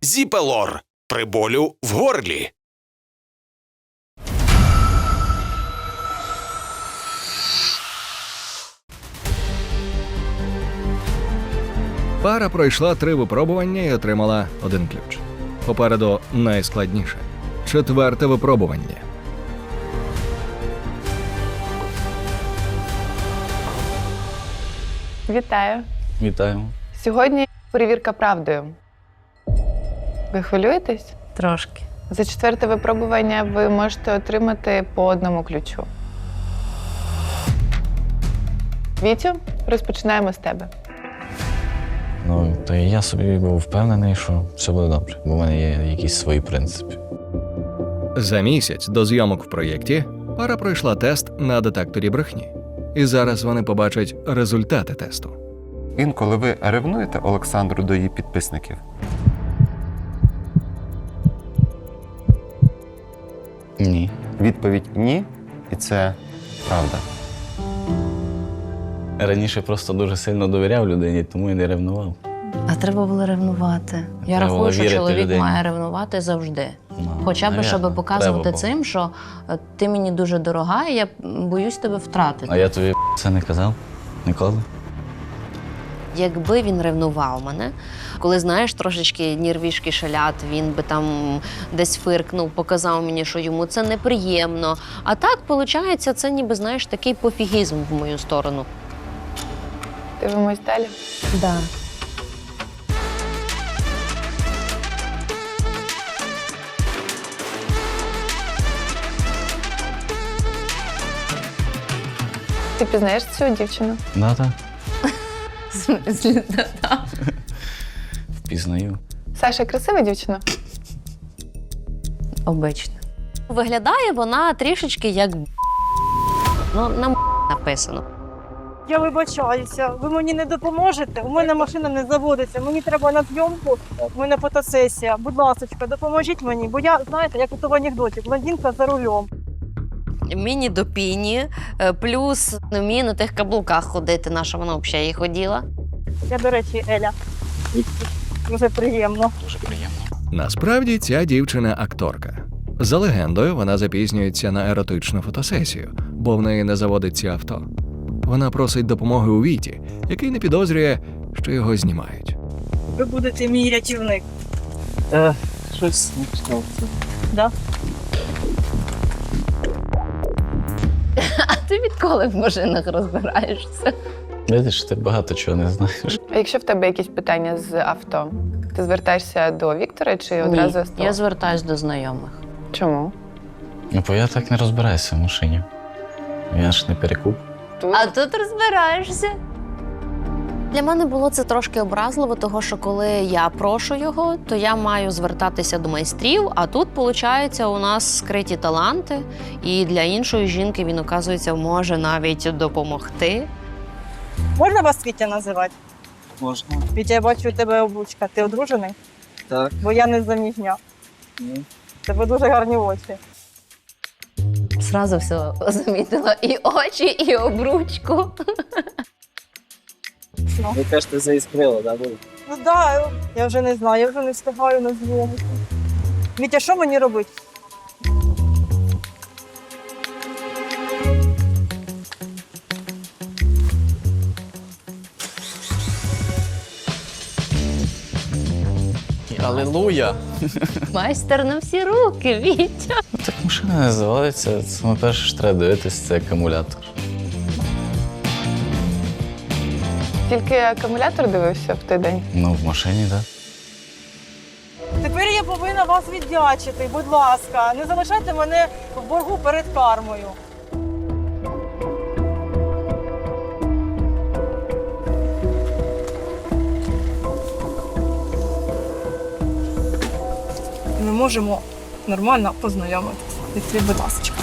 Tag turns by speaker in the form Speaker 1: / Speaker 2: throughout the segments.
Speaker 1: Зіпелор при болю в горлі.
Speaker 2: Пара пройшла 3 випробування і отримала 1 ключ. Попереду найскладніше – 4-те випробування.
Speaker 3: Вітаю.
Speaker 4: Вітаємо.
Speaker 3: Сьогодні перевірка правдою. Ви хвилюєтесь?
Speaker 5: Трошки.
Speaker 3: За 4-те випробування ви можете отримати по 1 ключу. Вітю, розпочинаємо з тебе.
Speaker 4: Ну, то і я собі був впевнений, що все буде добре, бо в мене є якісь свої принципи.
Speaker 2: За місяць до зйомок в проєкті пара пройшла тест на детекторі брехні. І зараз вони побачать результати тесту.
Speaker 6: Інколи ви ревнуєте Олександру до її підписників?
Speaker 4: Ні.
Speaker 6: Відповідь – ні, і це правда.
Speaker 4: Раніше просто дуже сильно довіряв людині, тому і не ревнував.
Speaker 5: А треба було ревнувати. Я
Speaker 4: Треба було
Speaker 5: рахую, що
Speaker 4: вірити
Speaker 5: чоловік
Speaker 4: людині.
Speaker 5: має ревнувати завжди.
Speaker 4: Ну,
Speaker 5: Хоча б,
Speaker 4: навірно,
Speaker 5: щоб показувати
Speaker 4: треба
Speaker 5: цим, що ти мені дуже дорога, і я боюсь тебе втратити.
Speaker 4: А я тобі це не казав? Ніколи?
Speaker 7: Якби він ревнував мене, коли, знаєш, трошечки нервішки шалять, він би там десь фиркнув, показав мені, що йому це неприємно. А так, виходить, це ніби, знаєш, такий пофігізм в мою сторону.
Speaker 3: Дивимось далі.
Speaker 5: Да.
Speaker 3: Ти пізнаєш цю дівчину?
Speaker 4: Да-да.
Speaker 5: В смислі, да.
Speaker 4: Впізнаю.
Speaker 3: Саша, красива дівчина?
Speaker 5: Обично.
Speaker 7: Виглядає вона трішечки як ну, на написано.
Speaker 8: Я вибачаюся, ви мені не допоможете? У мене машина не заводиться, мені треба на зйомку, у мене фотосесія. Будь ласка, допоможіть мені, бо я, знаєте, як у в анекдоті, блондинка за рулем.
Speaker 7: Міні до піні, плюс не вміє на тих каблуках ходити, наша вона взагалі і ходила.
Speaker 8: Я, до речі, Еля. Дуже приємно.
Speaker 4: Дуже приємно.
Speaker 2: Насправді ця дівчина – акторка. За легендою, вона запізнюється на еротичну фотосесію, бо в неї не заводиться авто. Вона просить допомоги у Віті, який не підозрює, що його знімають.
Speaker 8: Ви будете мій рятівник.
Speaker 9: Щось не сталося.
Speaker 8: Да?
Speaker 5: А ти відколи в машинах розбираєшся?
Speaker 4: Видиш, ти багато чого не знаєш.
Speaker 3: А якщо в тебе якісь питання з авто, ти звертаєшся до Віктора чи одразу
Speaker 5: Ні,
Speaker 3: з того?
Speaker 5: я звертаюсь до знайомих.
Speaker 3: Чому?
Speaker 4: Ну, бо я так не розбираюся в машині. Я ж не перекуп.
Speaker 5: А тут розбираєшся.
Speaker 7: Для мене було це трошки образливо, того що коли я прошу його, то я маю звертатися до майстрів, а тут, виходить, у нас скриті таланти, і для іншої жінки він, оказується, може навіть допомогти.
Speaker 8: Можна вас Вітя називати?
Speaker 9: Можна.
Speaker 8: Вітя, я бачу, у тебе облучка. Ти одружений?
Speaker 9: Так.
Speaker 8: Бо я не заміжня.
Speaker 9: Ні.
Speaker 8: У тебе дуже гарні очі.
Speaker 5: Зразу все замітила. І очі, і обручку.
Speaker 9: Ви кажете, заіскрило, так?
Speaker 8: Ну так, я вже не знаю, я вже не встигаю на зйомку. Вітя, що мені робити?
Speaker 4: Алілуя!
Speaker 5: Майстер на всі руки, Вітя.
Speaker 4: Так машина не заводиться. Саме перше, що треба дивитись, це акумулятор.
Speaker 3: Тільки акумулятор дивився в той день?
Speaker 4: Ну, в машині, так.
Speaker 8: Тепер я повинна вас віддячити, будь ласка. Не залишайте мене в боргу перед кармою. Ми можемо нормально познайомитися. Відкрий, будь ласка.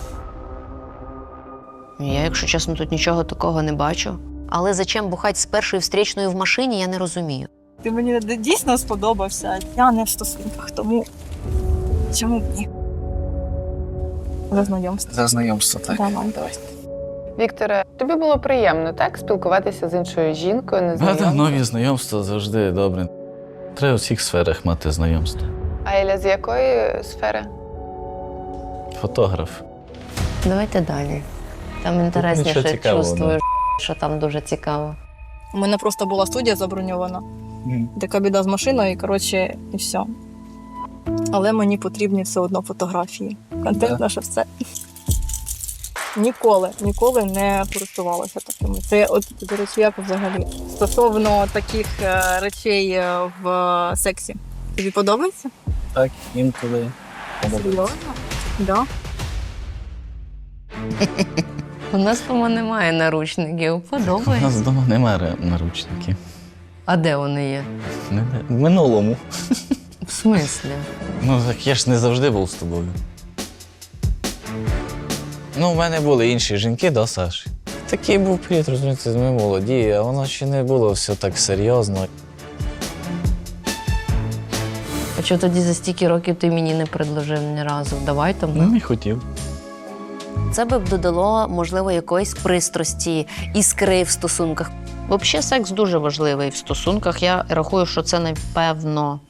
Speaker 7: Я, якщо чесно, тут нічого такого не бачу. Але зачем бухати з першою встрічною в машині, я не розумію.
Speaker 8: Ти мені дійсно сподобався. Я не в стосунках, тому чому б ні? За знайомство.
Speaker 9: За знайомство, так.
Speaker 8: Давай.
Speaker 3: Вікторе, тобі було приємно, так? Спілкуватися з іншою жінкою,
Speaker 4: Да,
Speaker 3: незнайомою?
Speaker 4: нові знайомства завжди добре. Треба у всіх сферах мати знайомство.
Speaker 3: А Еля з якої сфери?
Speaker 4: Фотограф.
Speaker 5: Давайте далі. Там інтересніше
Speaker 4: Нічого цікавого,
Speaker 5: чувствую, що там дуже цікаво.
Speaker 8: У мене просто була студія заброньована. Така біда з машиною, коротше, і все. Але мені потрібні все одно фотографії. Контент
Speaker 9: Да.
Speaker 8: наше все. Ніколи не користувалася такими. Це, от, до речі, як взагалі. Стосовно таких речей в сексі. Тобі подобається?
Speaker 9: Так, інколи.
Speaker 8: Серйозно? Да.
Speaker 5: У нас вдома немає наручників.
Speaker 4: У нас
Speaker 5: Подобається.
Speaker 4: вдома немає наручників.
Speaker 5: А де вони є?
Speaker 4: В минулому.
Speaker 5: В смислі?
Speaker 4: Ну, так я ж не завжди був з тобою. Ну, в мене були інші жінки, да, Саш? Такий був період, розумієте, ми молоді, а воно ще не було все так серйозно.
Speaker 5: А чого тоді за стільки років ти мені не предложив ні разу? Давай там.
Speaker 4: Ну, не хотів.
Speaker 7: Це би б додало, можливо, якоїсь пристрасті, іскри в стосунках. Взагалі, секс дуже важливий в стосунках. Я рахую, що це, напевно,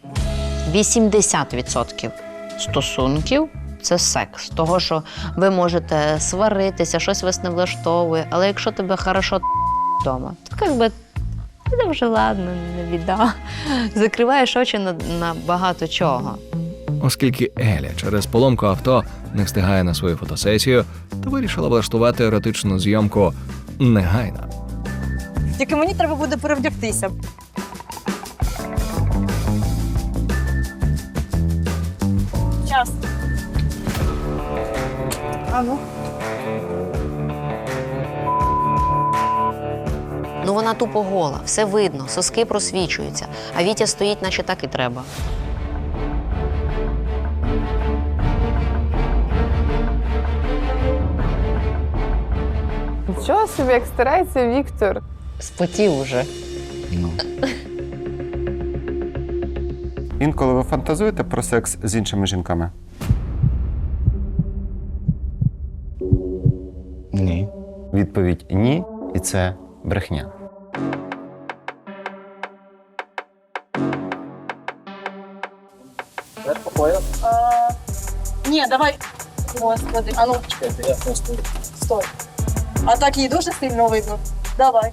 Speaker 7: 80% стосунків – це секс. Того, що ви можете сваритися, щось вас не влаштовує, але якщо тебе хорошо вдома, то якби це вже ладно, не біда. Закриваєш очі на багато чого.
Speaker 2: Оскільки Еля через поломку авто не встигає на свою фотосесію, то вирішила влаштувати еротичну зйомку негайно.
Speaker 8: Тільки мені треба буде перевдягтися. Час. А ну.
Speaker 7: Ну вона тупо гола, все видно, соски просвічуються, а Вітя стоїть, наче так і треба.
Speaker 3: Нічого собі, як старається Віктор.
Speaker 5: Спотів уже.
Speaker 4: Ну.
Speaker 6: Інколи ви фантазуєте про секс з іншими жінками?
Speaker 4: Ні.
Speaker 6: Відповідь ні, і це брехня.
Speaker 9: Тепер походив.
Speaker 8: Ні, давай. Господи, а ну,
Speaker 9: Чекайте, я просто.
Speaker 8: стой. А так її дуже сильно видно. Давай.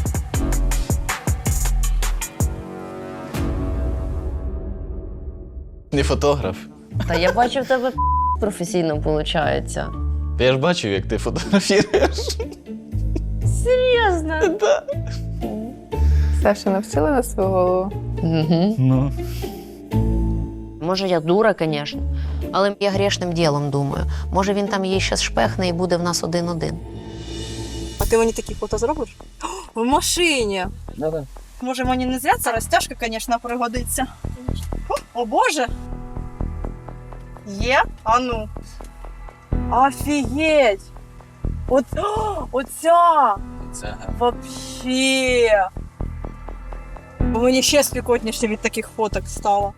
Speaker 4: Не фотограф.
Speaker 5: Та я бачу, в тебе професійно виходить.
Speaker 4: Я ж бачив, як ти фотографіруєш.
Speaker 5: Серйозно?
Speaker 3: Саша навчила на свою голову.
Speaker 5: Угу.
Speaker 4: Ну.
Speaker 7: Може, я дура, звісно, але я грішним ділом думаю. Може, він там її ще шпехне і буде в нас 1-1.
Speaker 8: А ти мені такі фото зробиш? О, в машині.
Speaker 9: Да-да.
Speaker 8: Може, мені не зря ця розтяжка, звісно, пригодиться. О, Боже! Є? А ну. Офігеть! Оця!
Speaker 9: Це
Speaker 8: Вообще! Мені ще спекотніше від таких фоток стало.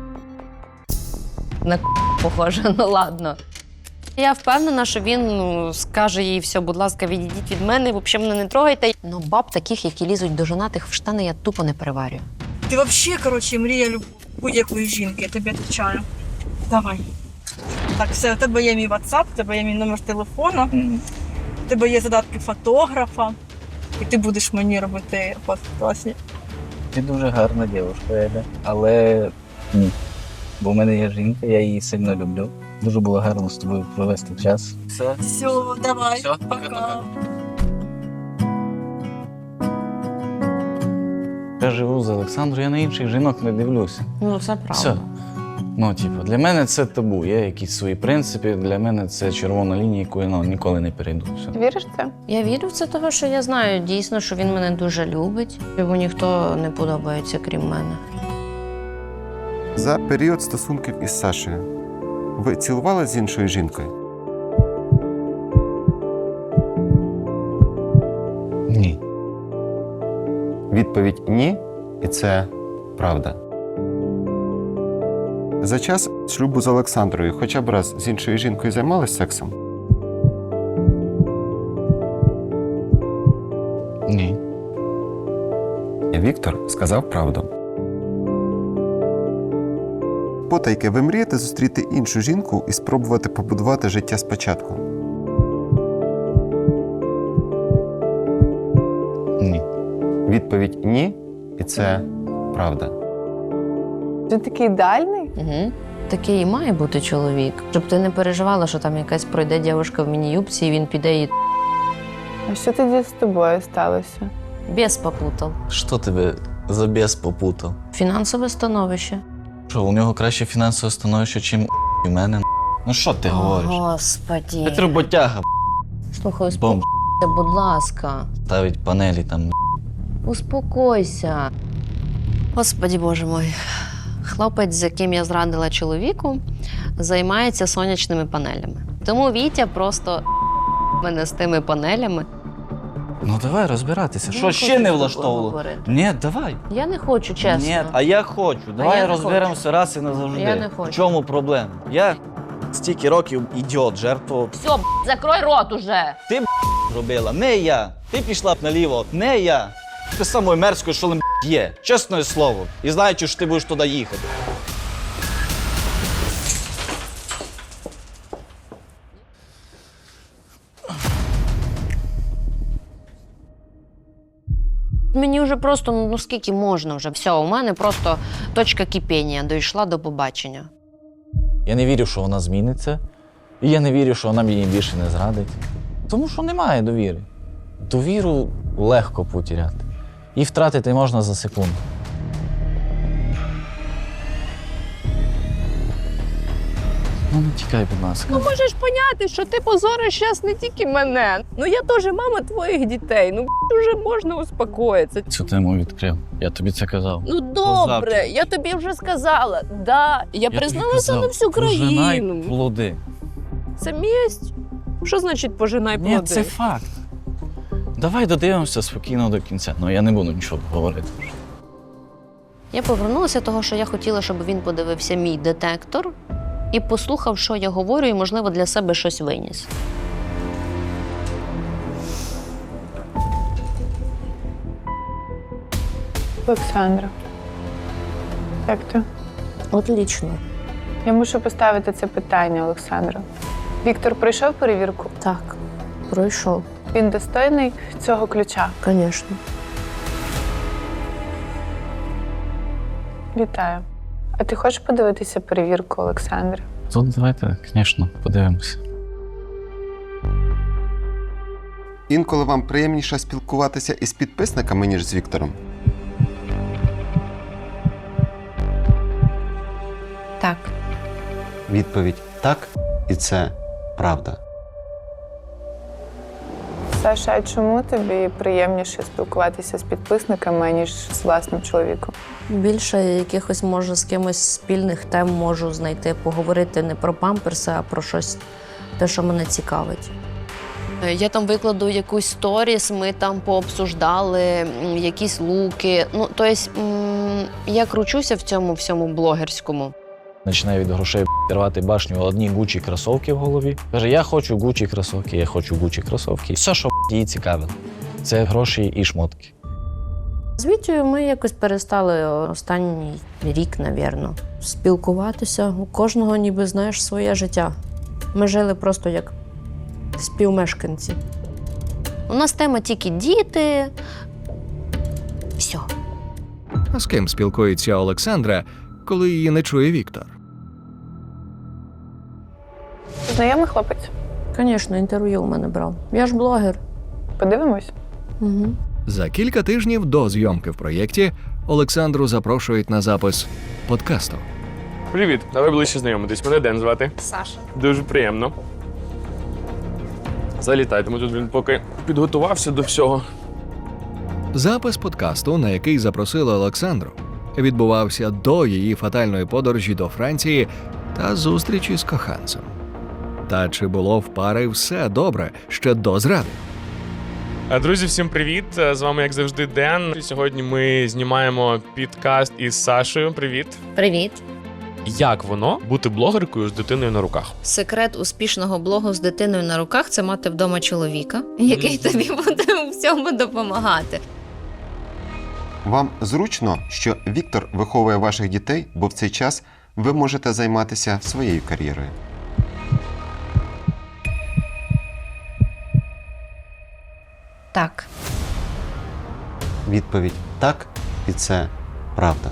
Speaker 5: На похоже, ну ладно.
Speaker 7: Я впевнена, що він скаже їй все, будь ласка, відійдіть від мене, взагалі мене не трогайте. Ну, баб таких, які лізуть до жонатих в штани, я тупо не переварюю.
Speaker 8: Ти вообще, коротше, мрія будь-якої жінки, я тобі відповідаю. Давай. Так, все, у тебе є мій WhatsApp, у тебе є мій номер телефону, у тебе є задатки фотографа, і ти будеш мені робити фото класні.
Speaker 9: ти дуже гарна дівчинка, Еля. Але ні. Бо в мене є жінка, я її сильно люблю. Дуже було гарно з тобою провести час. Все.
Speaker 8: Все, давай,
Speaker 9: Все,
Speaker 8: пока.
Speaker 4: Я живу з Олександрою, я на інших жінок не дивлюся.
Speaker 5: Ну, це правда.
Speaker 4: Все. Ну, типу, для мене це табу. Є якісь свої принципи, для мене це червона лінія, яку я ніколи не перейду. Все.
Speaker 3: Віриш в це?
Speaker 7: Я вірю в це, того, що я знаю дійсно, що він мене дуже любить. Йому ніхто не подобається, крім мене.
Speaker 6: За період стосунків із Сашею ви цілувалися з іншою жінкою?
Speaker 4: Ні.
Speaker 6: Відповідь ні, і це правда. За час шлюбу з Олександрою хоча б раз з іншою жінкою займалися сексом?
Speaker 4: Ні.
Speaker 6: Віктор сказав правду. Потайки, ви мрієте зустріти іншу жінку і спробувати побудувати життя спочатку?
Speaker 4: Ні.
Speaker 6: Відповідь ні, і це правда.
Speaker 3: Ти такий ідеальний?
Speaker 5: Угу. Такий і має бути чоловік. Щоб ти не переживала, що там якась пройде дівчинка в міні-юбці, і він піде і
Speaker 3: А що тоді з тобою сталося?
Speaker 5: без попутав.
Speaker 4: Що тебе за біс попутав?
Speaker 5: Фінансове становище.
Speaker 4: Що, у нього краще фінансове становище, чим у мене? Ну що ти говориш?
Speaker 5: Господі.
Speaker 4: Це роботяга,
Speaker 5: Слухай,
Speaker 4: бомб.
Speaker 5: успокойся, будь ласка.
Speaker 4: Ставить панелі там.
Speaker 5: Успокойся.
Speaker 7: Господі Боже мой. Хлопець, з яким я зрадила чоловіку, займається сонячними панелями. Тому Вітя просто мене з тими панелями.
Speaker 4: Ну давай розбиратися.
Speaker 5: Я
Speaker 4: Що
Speaker 5: не
Speaker 4: ще
Speaker 5: хочу
Speaker 4: не
Speaker 5: з тобою
Speaker 4: влаштовувало?
Speaker 5: говорити.
Speaker 4: Ні, давай.
Speaker 5: Я не хочу, чесно.
Speaker 4: Ні, а я хочу.
Speaker 5: я
Speaker 4: Давай
Speaker 5: не
Speaker 4: розберемося раз і назавжди.
Speaker 5: Я не хочу.
Speaker 4: В чому проблема? Я стільки років ідіот, жертвував.
Speaker 5: Все, закрой рот уже.
Speaker 4: Ти робила, не я. Ти пішла б наліво, не я. Ти самою мерзкою, що є. Чесне слово. І знаючи, що ти будеш туди їхати.
Speaker 7: Мені вже просто, ну скільки можна вже. Все, у мене просто точка кипіння, дійшла до побачення.
Speaker 4: Я не вірю, що вона зміниться. І я не вірю, що вона мені більше не зрадить. Тому що немає довіри. Довіру легко потеряти. І втратити можна за секунду. Ну, не тікай, будь ласка.
Speaker 10: Ну можеш поняти, що ти позориш зараз не тільки мене. Ну я теж мама твоїх дітей. Ну вже можна успокоїтися.
Speaker 4: Цю тему відкрив. Я тобі це казав.
Speaker 10: Ну добре, я тобі вже сказала. Да, я призналася на всю
Speaker 4: Пожинай
Speaker 10: країну.
Speaker 4: плоди.
Speaker 10: Це місць. Що значить пожинай плоди?
Speaker 4: Ні, це факт. Давай додивимося спокійно до кінця. Ну, я не буду нічого говорити.
Speaker 7: Я повернулася того, що я хотіла, щоб він подивився мій детектор і послухав, що я говорю, і, можливо, для себе щось виніс.
Speaker 3: Олександра, як ти?
Speaker 5: Отлично.
Speaker 3: Я мушу поставити це питання, Олександра. Віктор пройшов перевірку?
Speaker 5: Так, пройшов,
Speaker 3: Він достойний цього ключа?
Speaker 5: звісно.
Speaker 3: Вітаю. А ти хочеш подивитися перевірку, Олександра?
Speaker 4: Тут давайте, звісно, подивимося.
Speaker 6: Інколи вам приємніше спілкуватися із підписниками, ніж з Віктором?
Speaker 7: Так.
Speaker 6: Відповідь так, і це правда.
Speaker 3: Саша, а чому тобі приємніше спілкуватися з підписниками, ніж з власним чоловіком?
Speaker 5: Більше якихось, може, з кимось спільних тем можу знайти, поговорити не про памперси, а про щось, те, що мене цікавить.
Speaker 7: Я там викладу якусь сторіс, ми там пообсуждали якісь луки. Ну, тобто, я кручуся в цьому всьому блогерському.
Speaker 4: Починає від грошей рвати башню, одні Гучі кросовки в голові. Каже, я хочу Гучі кросовки, я хочу Гучі кросовки. Все, що її цікавило, це гроші і шмотки.
Speaker 5: З Вітєю ми якось перестали останній рік, напевно, спілкуватися. У кожного ніби, знаєш, своє життя. Ми жили просто як співмешканці.
Speaker 7: У нас тема тільки діти. Все.
Speaker 2: А з ким спілкується Олександра, коли її не чує Віктор?
Speaker 3: Знайомий хлопець?
Speaker 5: Звісно, інтерв'ю у мене брав. Я ж блогер.
Speaker 3: Подивимось?
Speaker 5: Угу.
Speaker 2: За кілька тижнів до зйомки в проєкті Олександру запрошують на запис подкасту.
Speaker 11: Привіт, давай ближче знайомитись. Мене Ден звати.
Speaker 10: Саша.
Speaker 11: Дуже приємно. Залітай, тому тут він поки підготувався до всього.
Speaker 2: Запис подкасту, на який запросили Олександру, відбувався до її фатальної подорожі до Франції та зустрічі з коханцем. Та чи було в пари все добре ще до зради?
Speaker 11: Друзі, всім привіт! З вами, як завжди, Ден. Сьогодні ми знімаємо підкаст із Сашею. Привіт!
Speaker 7: Привіт.
Speaker 11: Як воно бути блогеркою з дитиною на руках?
Speaker 7: Секрет успішного блогу з дитиною на руках – це мати вдома чоловіка, який тобі буде у всьому допомагати.
Speaker 6: Вам зручно, що Віктор виховує ваших дітей, бо в цей час ви можете займатися своєю кар'єрою.
Speaker 7: Так.
Speaker 6: Відповідь так, і це правда.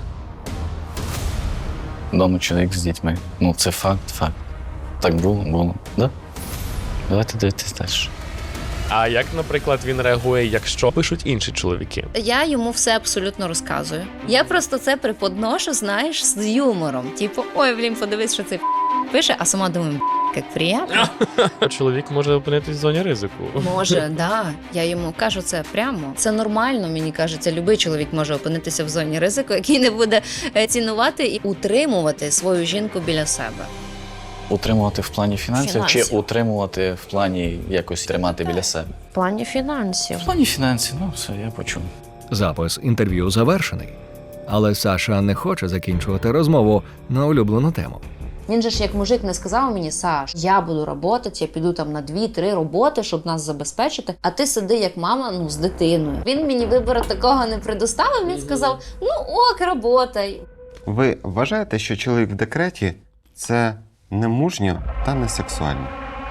Speaker 9: Дома чоловік з дітьми. Ну, це факт. Так було. Да? Давайте дивитись далі.
Speaker 11: А як, наприклад, він реагує, якщо пишуть інші чоловіки?
Speaker 7: Я йому все абсолютно розказую. Я просто це преподношу, знаєш, з юмором. Типу, ой, блін, подивись, що це пише, а сама думаю, як приємно.
Speaker 11: Чоловік може опинитись в зоні ризику.
Speaker 7: Може, да. Я йому кажу це прямо. Це нормально, мені кажеться. Любий чоловік може опинитися в зоні ризику, який не буде цінувати і утримувати свою жінку біля себе.
Speaker 9: Утримувати в плані фінансів чи
Speaker 7: Фінансів.
Speaker 9: утримувати в плані якось тримати біля себе?
Speaker 5: В плані фінансів.
Speaker 9: В плані фінансів, ну все, я почув.
Speaker 2: Запис інтерв'ю завершений. Але Саша не хоче закінчувати розмову на улюблену тему.
Speaker 7: Він же ж як мужик не сказав мені: Саш, я буду працювати, я піду там на 2-3 роботи, щоб нас забезпечити, а ти сиди як мама, з дитиною. Він мені вибору такого не предоставив, він сказав: ну ок, работай.
Speaker 6: Ви вважаєте, що чоловік в декреті – це не мужньо та не сексуально?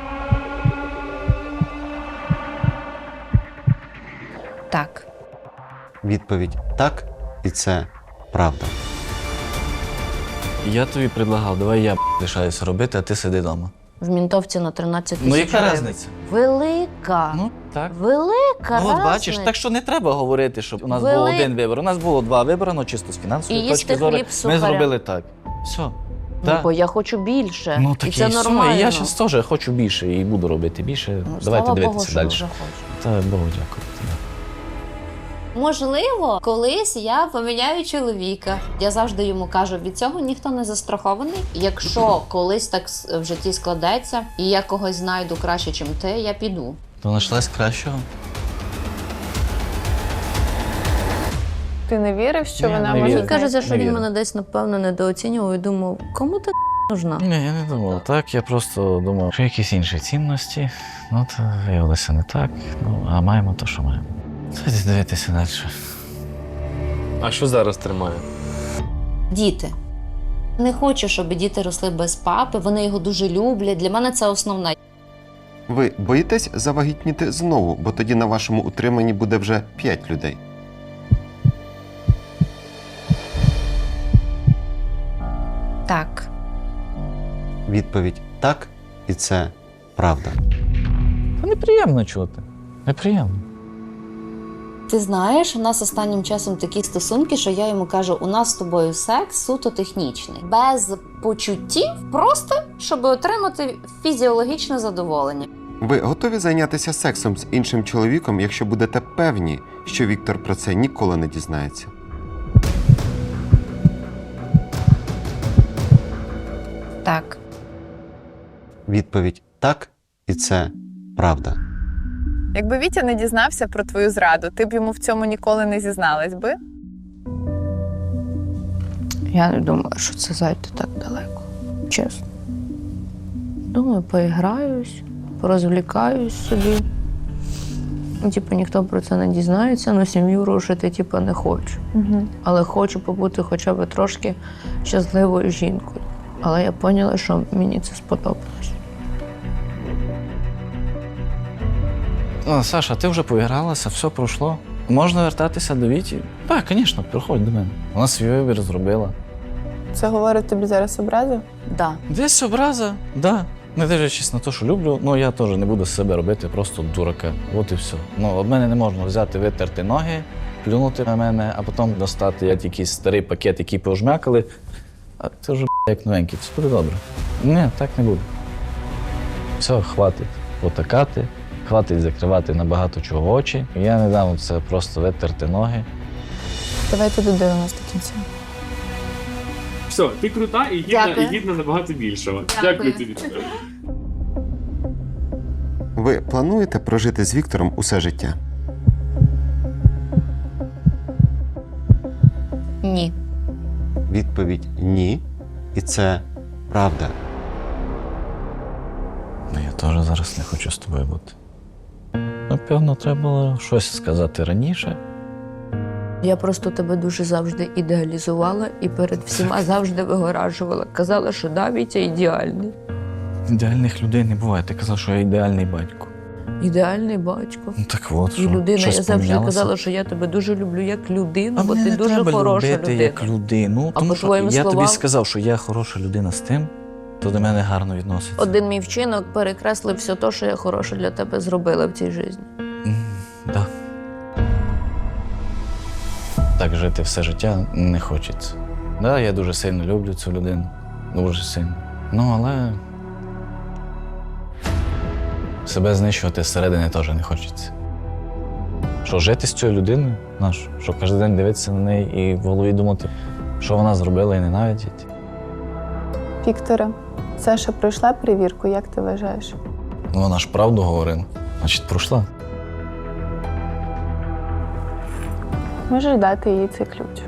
Speaker 7: Так.
Speaker 6: Відповідь так, і це правда.
Speaker 4: Я тобі предлагав, давай я лишаюся робити, а ти сиди вдома.
Speaker 5: В мінтовці на 13
Speaker 4: Ну
Speaker 5: тисяч
Speaker 4: яка
Speaker 5: гривень.
Speaker 4: різниця?
Speaker 5: Велика.
Speaker 4: Ну, так.
Speaker 5: Велика
Speaker 4: Ну, от бачиш,
Speaker 5: разниця.
Speaker 4: так що не треба говорити, щоб у нас був один вибір. У нас було 2 вибори, ну чисто з фінансової
Speaker 5: І
Speaker 4: точки
Speaker 5: їсти
Speaker 4: зору.
Speaker 5: хліб з
Speaker 4: Ми
Speaker 5: сухарем.
Speaker 4: зробили так. Все.
Speaker 5: Ну, бо я хочу більше.
Speaker 4: Ну
Speaker 5: і
Speaker 4: так
Speaker 5: це
Speaker 4: і все.
Speaker 5: нормально.
Speaker 4: І я зараз теж хочу більше і буду робити більше.
Speaker 5: Ну,
Speaker 4: Давайте
Speaker 5: слава
Speaker 4: дивитися
Speaker 5: Богу, що
Speaker 4: далі.
Speaker 5: ви вже хочете.
Speaker 4: Та Богу дякую.
Speaker 7: Можливо, колись я поміняю чоловіка. Я завжди йому кажу, від цього ніхто не застрахований. Якщо колись так в житті складеться, і я когось знайду краще, ніж ти, я піду.
Speaker 4: То знайшлась кращого.
Speaker 3: Ти не вірив, що
Speaker 4: Ні,
Speaker 3: вона
Speaker 4: не
Speaker 3: може
Speaker 4: вірю.
Speaker 5: Мені кажеться, що
Speaker 4: Не
Speaker 5: він
Speaker 4: вірю.
Speaker 5: мене десь, напевно, недооцінював і думав, кому ти нужна?
Speaker 4: Ні, я не думав так. Я просто думав, що якісь інші цінності. Ну, то виявилося не так. Ну, а маємо то, що маємо. Давайте дивитися далі.
Speaker 11: А що зараз тримає?
Speaker 7: Діти. Не хочу, щоб діти росли без папи, вони його дуже люблять. Для мене це основне.
Speaker 6: Ви боїтесь завагітніти знову, бо тоді на вашому утриманні буде вже 5 людей.
Speaker 7: Так.
Speaker 6: Відповідь так, і це правда.
Speaker 4: Та неприємно чути. Неприємно.
Speaker 7: Ти знаєш, у нас останнім часом такі стосунки, що я йому кажу, у нас з тобою секс суто технічний. Без почуттів, просто, щоб отримати фізіологічне задоволення.
Speaker 6: Ви готові зайнятися сексом з іншим чоловіком, якщо будете певні, що Віктор про це ніколи не дізнається?
Speaker 7: Так.
Speaker 6: Відповідь так, і це правда.
Speaker 3: Якби Вітя не дізнався про твою зраду, ти б йому в цьому ніколи не зізналась би?
Speaker 5: Я не думаю, що це зайде так далеко. Чесно. Думаю, поіграюсь, порозвлікаюсь собі. Ну, типу, ніхто про це не дізнається, але сім'ю рушити, типу, не хочу.
Speaker 3: Угу.
Speaker 5: Але хочу побути хоча б трошки щасливою жінкою. Але я поняла, що мені це сподобалось.
Speaker 4: Ну, Саша, ти вже поігралася, все пройшло. Можна вертатися до Віті? Так, звісно, приходь до мене. Вона свій вибір зробила.
Speaker 3: Це говорить тобі зараз образив?
Speaker 7: Да.
Speaker 4: Десь образа, да. Не дивлячись на те, що люблю, ну я теж не буду з себе робити просто дурака. От і все. Ну, від мене не можна взяти, витерти ноги, плюнути на мене, а потім достати якийсь старий пакет, який пожмякали. А це вже як новенький, це буде добре. Ні, так не буде. Все, хватить потакати, хватить закривати на багато чого очі. Я не дам це просто витерти ноги.
Speaker 3: Давайте додивимось до кінця.
Speaker 11: Все, ти крута і
Speaker 7: Дякую.
Speaker 11: гідна набагато більшого.
Speaker 7: Дякую.
Speaker 11: тобі.
Speaker 6: Ви плануєте прожити з Віктором усе життя?
Speaker 7: Ні.
Speaker 6: Відповідь ні, і це правда.
Speaker 4: Ну, я теж зараз не хочу з тобою бути. Напевно, треба було щось сказати раніше.
Speaker 5: Я просто тебе дуже завжди ідеалізувала і перед всіма завжди вигоражувала. Казала, що да, Вітя ідеальний.
Speaker 4: Ідеальних людей не буває. Ти казав, що я ідеальний батько.
Speaker 5: Ідеальний батько.
Speaker 4: Ну так от,
Speaker 5: І людина,
Speaker 4: щось
Speaker 5: я завжди
Speaker 4: помінялося?
Speaker 5: казала, що я тебе дуже люблю як людину,
Speaker 4: А
Speaker 5: бо
Speaker 4: мене
Speaker 5: ти
Speaker 4: не
Speaker 5: дуже
Speaker 4: треба
Speaker 5: хороша
Speaker 4: любити
Speaker 5: людина.
Speaker 4: як людину.
Speaker 5: А
Speaker 4: Тому
Speaker 5: по
Speaker 4: що
Speaker 5: твоїм
Speaker 4: я тобі
Speaker 5: словам-
Speaker 4: сказав, що я хороша людина з тим, хто до мене гарно відноситься.
Speaker 5: Один мій вчинок перекреслив все те, що я хороше для тебе зробила в цій житті.
Speaker 4: Да. Так жити все життя не хочеться. Да, я дуже сильно люблю цю людину. Дуже сильно. Ну, але себе знищувати зсередини теж не хочеться. Що жити з цією людиною, що кожен день дивитися на неї і в голові думати, що вона зробила і ненавидіти.
Speaker 3: Вікторе, Саша пройшла перевірку, як ти вважаєш?
Speaker 4: Ну, вона ж правду говорила, значить, пройшла.
Speaker 3: Можеш дати їй цей ключ.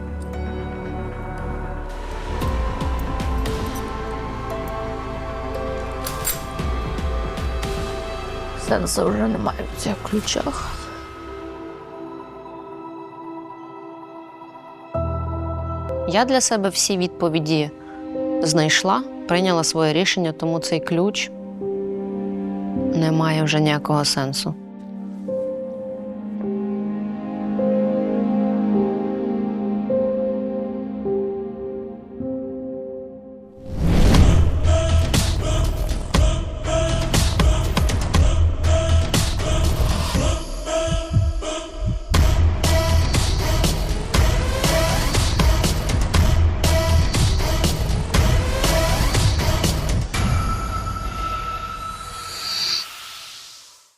Speaker 5: Сенсу вже немає в цих ключах.
Speaker 7: Я для себе всі відповіді знайшла, прийняла своє рішення, тому цей ключ не має вже ніякого сенсу.